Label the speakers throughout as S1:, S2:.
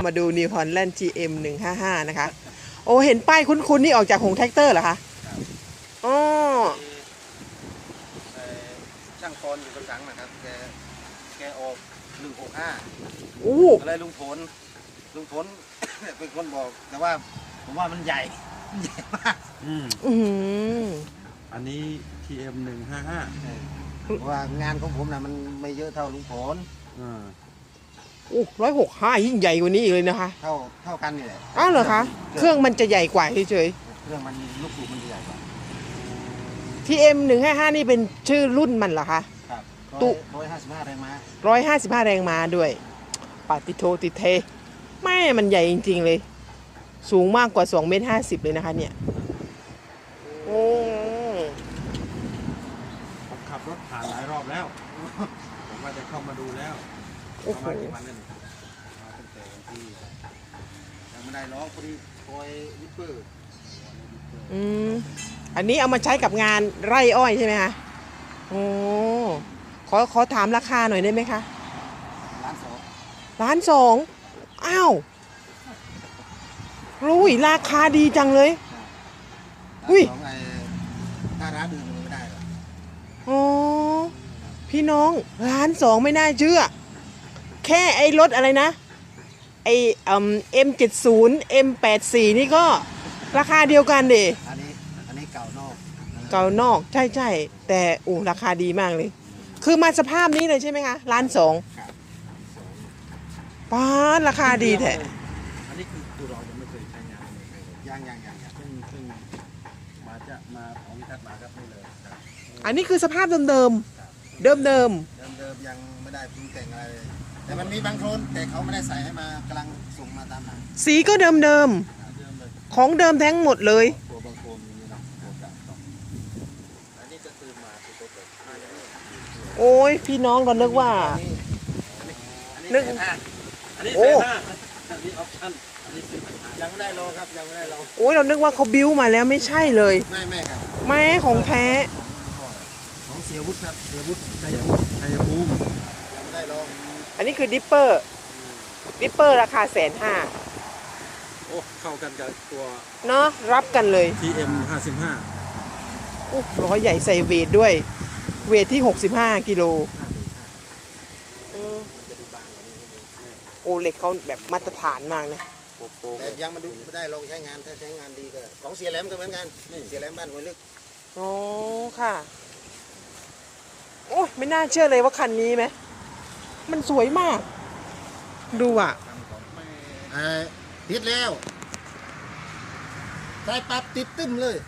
S1: มาดู New Holland GM 155นะคะโอ้เห็นป้ายคุ้นๆนี่ออกจากหงแท็กเตอร์เหรอคะอ๋อ
S2: ช่างพรอยู่กระสังนะครับแกออก165
S1: อู้
S2: อะไรลุงผลเป็นคนบอกแต่ว่าผมว่ามันใหญ่มาก
S3: อันนี้ TM 155
S2: เพราะว่างานของผมนะมันไม่เยอะเท่าลุงผล
S1: โอ้165ยิ่งใหญ่กว่านี้อีกเลยนะคะ
S2: เท่ากันนี่แหละ
S1: อ้าวเหรอคะเครื่องมันจะใหญ่กว่าเฉย
S2: ๆเครื่องมันลูกสูบมันใหญ่กว่า
S1: TM 155นี่เป็นชื่อรุ่นมันเหรอคะ
S2: ครับ155แรงม้
S1: า155แรงม้าด้วยปาติโทติเทแม่มันใหญ่จริงๆเลยสูงมากกว่า2.50 เมตรเลยนะคะเนี่ยโอ้
S3: ผมขับรถผ่านหลายรอบแล้วผมว่าจะเข้ามาดูแล้วประมาณกี่วันนั่น
S2: ตั้งแต่วันที่ยังไม่ได้ร้องพอดีคอยวิปเปอร์
S1: อันนี้เอามาใช้กับงานไร่อ้อยใช่ไหมคะโอ้ขอถามราคาหน่อยได้ไหมคะ1,200,000อ้าวรู้ยราคาดีจังเลย
S2: อุ้ยถ้าร้านอื่นไม่ได้หรอ
S1: อ๋อพี่น้อง1,200,000ไม่น่าเชื่อแค่ไอ้รถอะไรนะไอ้M70 M84นี่ก็ราคาเดียวกันดิ
S2: อันนี้เก่
S1: านอกใช่แต่ราคาดีมากเลยคือมาสภาพนี้เลยใช่ไหมคะ1,200,000ป้าราคาดีแท้
S3: อันนี้คือตัวเรายังไม่เคยใช้งาน
S2: ยัง
S3: ซึ่งมาของทัดมาครับนี่เลย
S1: อันนี้คือสภาพเดิมยัง
S2: ไม่ได้ปรุงแต่งอะไรเลยแต่มันมีบางโคลนแต่เขาไม่ได้ใส่ให้มากำลังส่งมาตามหลัง
S1: สีก็เดิมของเดิมทั้งหมดเลย
S2: ตัวบางโคลนมีเนาะอันนี้จะตื่นมาตัวเปิด
S1: โอ้ยพี่น้องก็นึกว่า
S3: นึกอันนี้ออปชั่น
S2: ยังไม่ได้ลองครับยังไม่ได้ลอง
S1: โอ้ยเรานึกว่าเขาบิ้วมาแล้วไม่ใช่เลย
S2: ไม่ครับ
S1: ไม่ของแท้
S2: ของเสียวุฒิครับเสียวุฒิ
S3: ชัยภูมิ
S2: ยังไม่ได้ลอง
S1: อันนี้คือดิปเปอร์ราคา150,000
S3: โอ้เข้ากันกับตัว
S1: เนาะรับกันเลย
S3: TM 55
S1: โอ้ล้อใหญ่ใส่เวทด้วยเวทที่65 กิโลโอ้เหล็กเขาแบบมาตรฐานมากนะ
S2: แต่ยังมาดูไม่ได้ลองใช้งานถ้าใช้งานดีก็ของเสียแหลมก็เหมือนกันเสียแหลมบ้านหัวลึก
S1: อ๋อค่ะโอ้ยไม่น่าเชื่อเลยว่าคันนี้ไหมมันสวยมากดูอ่ะ
S2: ติดแล้วใส่ปั๊บติดตึ้มเลย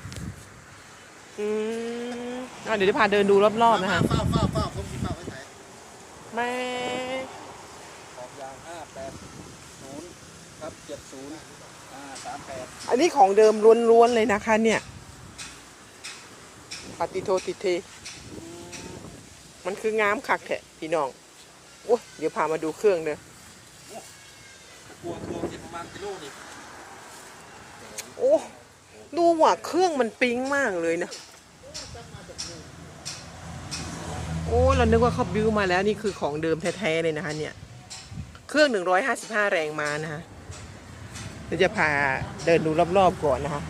S1: เดี๋ยวจะพาเดินดูรอบๆนะคะ
S2: ฟ้าผมคิดว่าไว้ไหน
S1: แม่
S2: ขอบยาง580ครับ7038
S1: อันนี้ของเดิมล้วนๆเลยนะคะเนี่ยปฏิโทติเทมันคืองามคักแท้พี่น้องโอ้เดี๋ยวพามาดูเครื่องเด้อ
S3: ตัวที่ประมาณกิโลนี่
S1: โอ้ดูว่าเครื่องมันปิ๊งมากเลยนะโอ้เรานึกว่าเขาบิ้วมาแล้วนี่คือของเดิมแท้ๆเลยนะคะเนี่ยเครื่อง155แรงม้านะคะเราจะพาเดินดูรอบๆก่อนนะคะ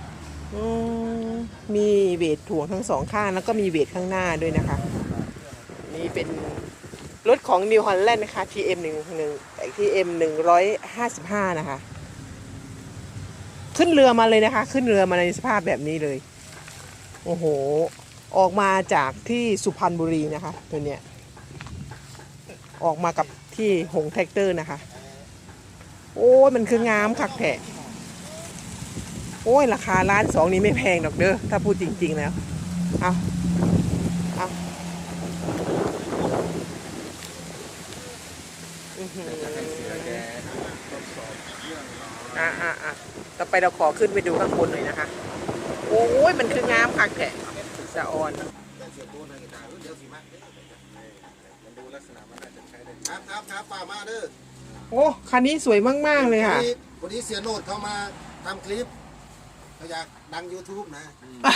S1: มีเวทถ่วงทั้งสองข้างแล้วก็มีเวทข้างหน้าด้วยนะคะนี่เป็นรถของ New Holland นะคะ TM 155นะคะขึ้นเรือมาเลยนะคะขึ้นเรือมาในสภาพแบบนี้เลยโอ้โหออกมาจากที่สุพรรณบุรีนะคะตัวเนี้ยออกมากับที่หงแท็กเตอร์นะคะโอ้ยมันคืองามคักแท้โอ้ยราคา1,200,000นี่ไม่แพงดอกเด้อถ้าพูดจริงๆแล้วเอาต่อไปเราขอขึ้นไปดูข้างบนหน่อยนะคะโอ้ยมันคืองามคักแท้สะออน
S2: ครับป่ามาเด้อ
S1: โอ้คันนี้สวยมากๆเลยค่ะ
S2: วันนี้เสียโนดเขามาทำคลิปเขาอยากดัง YouTube นะ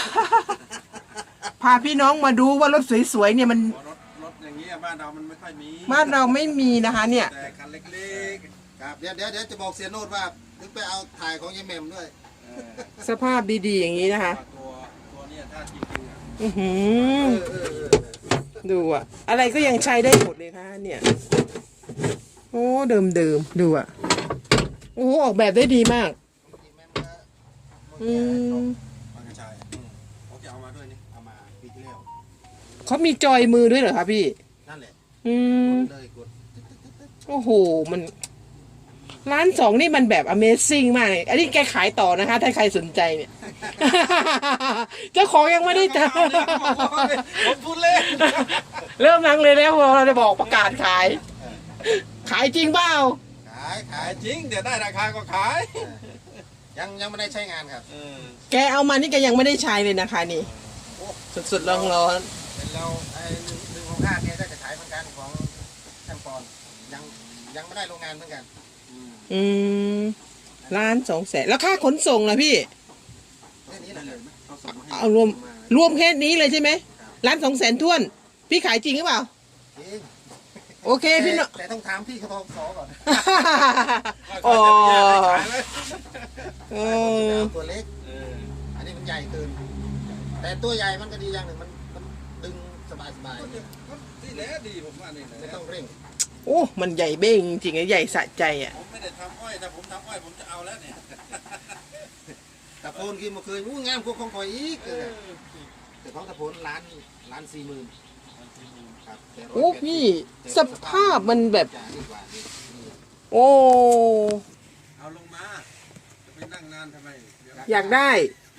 S1: พาพี่น้องมาดูว่ารถสวยๆเนี่ยมัน
S3: รถอย่างเงี้ยบ้านเรามันไม่ค่อยมี
S1: บ้านเราไม่มีนะคะเนี่ย
S3: แต่คันเล็ก
S2: ครับเดี๋ยวจะบอกเสียโนดว่านึกไปเอาถ่ายของยายแหม่มด้วย
S1: สภาพดีๆอย่างนี้นะคะ
S3: ตัวเนี้ถ้าจริงๆอ่ะ
S1: อือหือ ดูอะอะไรก็ยังใช้ได้หมดเลยค่ะเนี่ย โอ้เดิมดูอะโอ้ออกแบบได้ดีมาก อืม
S3: บางกระชายโอเคเอามาด้วยนี่
S2: เอามาปีที่แล้ว
S1: เขามีจอยมือด้วยเหรอคะพี่
S2: นั่นแหละ
S1: อืม
S2: เลยกด
S1: โอ้โห มันร้านสองนี่มันแบบ Amazing มากเลยอันนี้แกขายต่อนะคะ ถ้าใครสนใจเนี่ย เจ้าของยังไม่ได้เจอ
S3: ผมพูดเล่น
S1: เริ่มลังเลยแล้วเราจะบอกประกาศขาย ขายจริงเปล่า
S2: ขาย
S3: ขายจริงเดี๋ยวได้ราคาก็ขาย
S2: ยังไม่ได้ใช้งานครับ
S1: แกเอามานี่แกยังไม่ได้ใช้เลยนะคะนี่สุดๆร้อน
S2: เป็นเราไอ้165เนี่ยได้จะขายเหมือนกันของช่างปอนยังไม่ได้โรงงานเหมือนกัน
S1: ๆอืม1,200,000แล้วค่าขนส่งล่ะพี่
S2: แค่นี้แหละ
S3: เขาส่งมาให้
S1: เอารวมแค่นี้เลยใช่ไหม1,200,000ท้วน พี่ขายจริงหรือเปล่า
S2: จริง
S1: โอเคพี่เนาะ
S2: แต่ต้องถามพี่เขาทองสอก่อน
S1: อ๋อ
S3: ขายไหม
S1: เออ
S2: เอาตัวเล็ก อันนี้มันใหญ่เกิน แต่ตัวใหญ่มันก็ดีอย่างหนึ่งมันดึงสบาย
S3: นี่แหละดีผมว่านี่แหละ
S2: ไม่ต้องเร่ง
S1: โอ้มันใหญ่เบ้งจริงๆใหญ่สะใจอ่ะ
S3: ผมไม่ได้ทำอ้อยแต่ผมทำอ้อยผมจะเอาแล้วเนี่ย
S2: ตะโพนกินมาเคยงามกว่าของข่อยอีกแต่ของตะโพนล้าน40,000ครับแต่180
S1: โอ้พี่สภาพมันแบบ
S2: จ่ายดีกว่านี่
S1: โอ้
S3: เอาลงมาจะไปนั่งนานทำไมเดี๋ยว
S1: อยากได้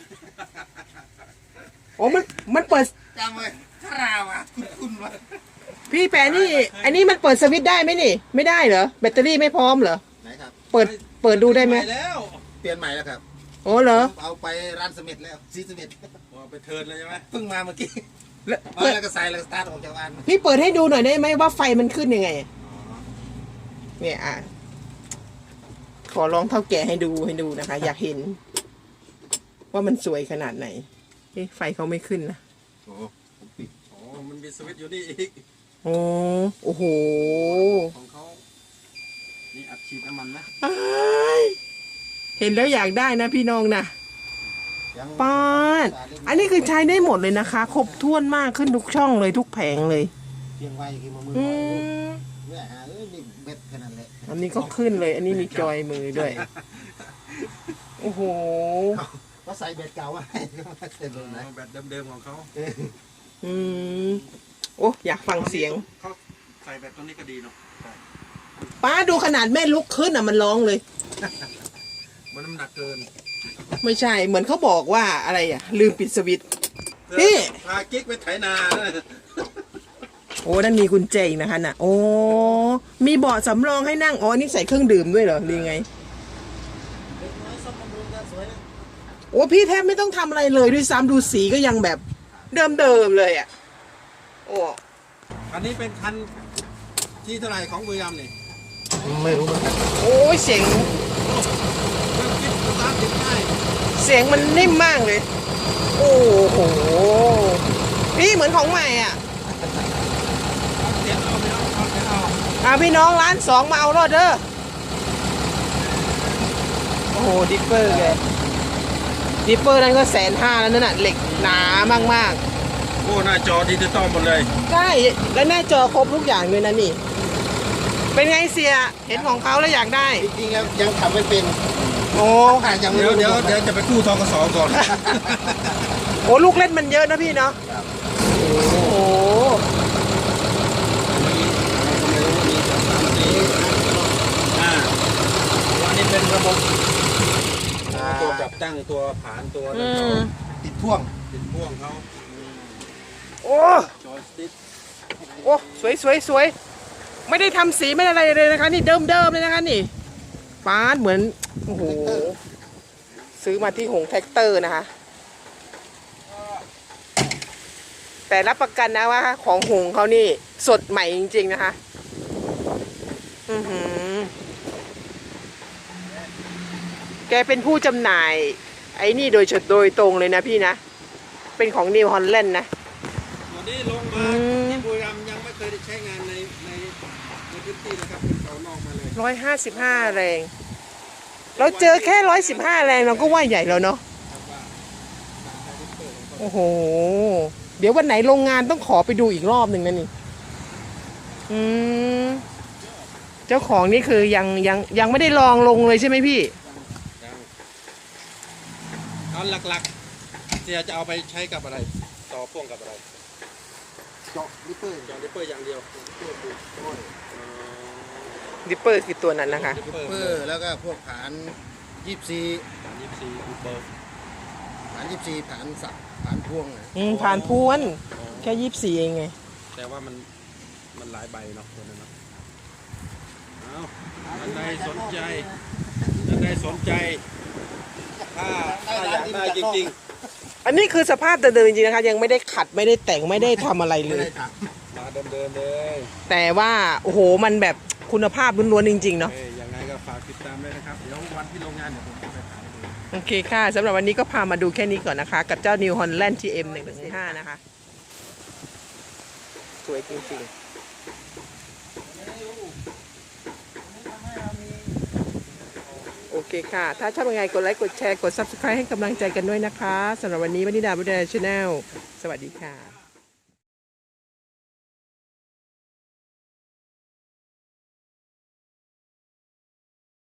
S1: โอ้มันเปิด
S2: จำไว้ถ้าราวอ่ะคุณวะ
S1: พี่แปรนี่ อันนี้มันเปิดสวิตช์ได้ไหมนี่ ไม่ได้เหรอแบตเตอรี่ไม่พร้อมเหรอ
S2: ไหนครับ
S1: เปิดดูได้ไหม
S3: ปแล้ว
S2: เปลี่ยนใหม่แล้วครับ
S1: โอ้เหรอ
S2: เอาไปร้านเสม็ดแล้วซีเสม็ด
S3: เอาไปเทิร์นเลยใช่ไหม
S2: เพิ่งมาเมื่อกี้
S1: แล้ว
S2: แล้วก็ใส่แล้วก็สตาร์ทออกจากบ้าน
S1: พี่เปิดให้ดูหน่อยได้ไหมว่าไฟมันขึ้นยังไง เนี่ยอ่ะ ขอลองเท่าแก่ให้ดูนะคะ อยากเห็น ว่ามันสวยขนาดไหนเอ๊ะไฟเขาไม่ขึ้นนะ
S2: โอ้
S3: โอ้มันมีสวิตช์อยู่นี่อีก
S1: โอ้โห
S3: ของเขานี่อัดฉีดน้ำมันนะ
S1: อ้ายเห็นแล้วอยากได้นะพี่น้องนะ
S2: ยัง
S1: ป้าดอันนี้คือใช้ได้หมดเลยนะคะ ครบถ้วนมากขึ้นทุกช่องเลยทุกแผงเลย
S2: เพียงไว้คือมือ
S1: อื
S2: มือ
S1: ม
S2: เนี่ยฮะนี่เบ็ดแค่นั้นแหละ
S1: อันนี้ก็ขึ้นเลย อันนี้มีจอยมือด้วย โอ้โห
S2: ก็ใส่เบ็ดเก่าไว้ก็ไม่เสร็จเลยนะ
S3: แบบเดิมๆของเขา
S1: อืมโอ้อยากฟังเสียง
S3: เขาใส่แบบตัวนี้ก็ดีเนาะ
S1: ป้าดูขนาดแม่ลุกขึ้นอ่ะมันร้องเลย
S3: มันน้ำหนักเกิน
S1: ไม่ใช่ เหมือนเขาบอกว่าอะไรอ่ะ ลืมปิดสวิตช์ พี่
S3: พากิ๊กไปไถนา
S1: โอ้นั่นมีกุญแจอีกนะคะน่ะ โอ้มีเบาะสำรองให้นั่ง อ๋อ นี่ใส่เครื่องดื่มด้วยเหรอหรือไง
S2: เด็กน้อยซ่อมบำรุงกันสวยนะ
S1: โอ้พี่แทบไม่ต้องทำอะไรเลยด้วยซ้ำดูสีก็ยังแบบเดิมๆเลยอ่ะ โอ้
S3: อันนี้เป็นคันที่เท่าไหร่ของบุรีรัมย์นี่
S2: ไม่รู้เหมือนกัน
S1: โอ้ยเสียง
S3: เครื่องคิดสตาร์ทติดง่าย
S1: เสียงมันนิ่มมากเลย โอ้โห พี่เหมือนของใหม่อ่ะ
S3: เอาเสียงเอาไปเอาเอาเสียงเอา
S1: พี่น้องร้านสองมาเอารอดเด้อ โอ้โห ดิปเปอร์เลยดิปเปอร์นั้นก็150,000แล้วนั่นน่ะ เหล็กหนามาก
S3: โอ้หน้าจอดิจิตอลหมดเลย
S1: ๆ ใช่ แล้วหน้าจอครบทุกอย่างเลยนะนี่ เป็นไงเสีย เห็นของเขาแล้วอยากได้
S2: จริงๆแล้วยังทำไม่เป็น
S1: โอ้
S2: ขาดยังไม่
S3: เดี๋ยว
S2: รู้
S3: เดี๋ยวจะไปกู้ทกสก่อน
S1: โหลูกเล่นมันเยอะนะพี่เนาะ โอ้โห
S3: อันนี้เป็นระบบตัวปรับตั้งตัวผานตัว
S1: อื
S3: นั้นเขา
S1: ม
S2: ติดพ่วง
S3: ติดพ่วงเขา
S1: โอ้
S3: จอยสติ๊ก
S1: โอ้สวยไม่ได้ทำสีไม่ได้อะไรเลยนะคะ นี่เดิมเลยนะคะนี่ฟ้าเหมือนโอ้โหซื้อมาที่หงแท็กเตอร์นะคะ แต่รับประกันนะว่าของหงเขานี่สดใหม่จริงๆนะคะอือหือแกเป็นผู้จำหน่าย ไอ้นี่โดยตรงเลยนะพี่นะ เป็นของนิวฮอลแลนด์นะ
S3: ตัวนี้ลงมาที่บุรีรัมย์ยังไม่เคยได้ใช้งานในพื้นที่นะครับเป็นเสานอกมาเลย
S1: 155 แรง เราเจอแค่115 แรงเราก็ว่าใหญ่แล้วเนาะ โอ้โห เดี๋ยววันไหนโรงงานต้องขอไปดูอีกรอบหนึ่งนะนี่ อืม เจ้าของนี่คือยังไม่ได้ลองลงเลยใช่ไหมพี่
S3: เอาหลักๆเสียจะเอาไปใช้กับอะไร ต่อพ่วงกับอะไร
S2: เจาะลิปเปอร์
S3: จอดิปเปอร์อย่างเดียว
S1: ดิปเปอร์คือตัวนั้นนะคะ
S3: ดิปเปอร์
S2: เปอร์แล้วก็พวกฐาน24
S3: 24ดิปเปอร์
S2: ฐาน24ฐานสักฐานพ่วงนะ
S1: ผ่านพวน แค่24เองไง
S3: แต่ว่ามันหลายใบเนาะตัวนั้นเนาะเอาท่านใดสนใจท่านใดสนใจถ้าอยากได้จริง
S1: อันนี้คือสภาพเดิมๆจริงๆนะคะ ยังไม่ได้ขัดไม่ได้แต่งไม่ได้ทำอะไรเล
S2: ไม่
S1: ย
S2: ได้ถัก
S3: ๆมาเดิมๆเลย
S1: แต่ว่าโอ้โหมันแบบคุณภาพล้วนๆจริงๆเนาะ
S3: ยังไงก็ฝากติดตามด้วยนะครับ เดี๋ยววันที่โรงงานเดี๋ยวผมจะไปถ่ายให้ดู
S1: โอเคค่ะสำหรับวันนี้ก็พามาดูแค่นี้ก่อนนะคะ กับเจ้า New Holland GM 115นะคะ สวยจริงๆ โอเคค่ะ ถ้าชอบยังไงกดไลค์กดแชร์กด Subscribe ให้กำลังใจกันด้วยนะคะสำหรับวันนี้วนิดาบุญดาชาแนลสวัสดีค่ะ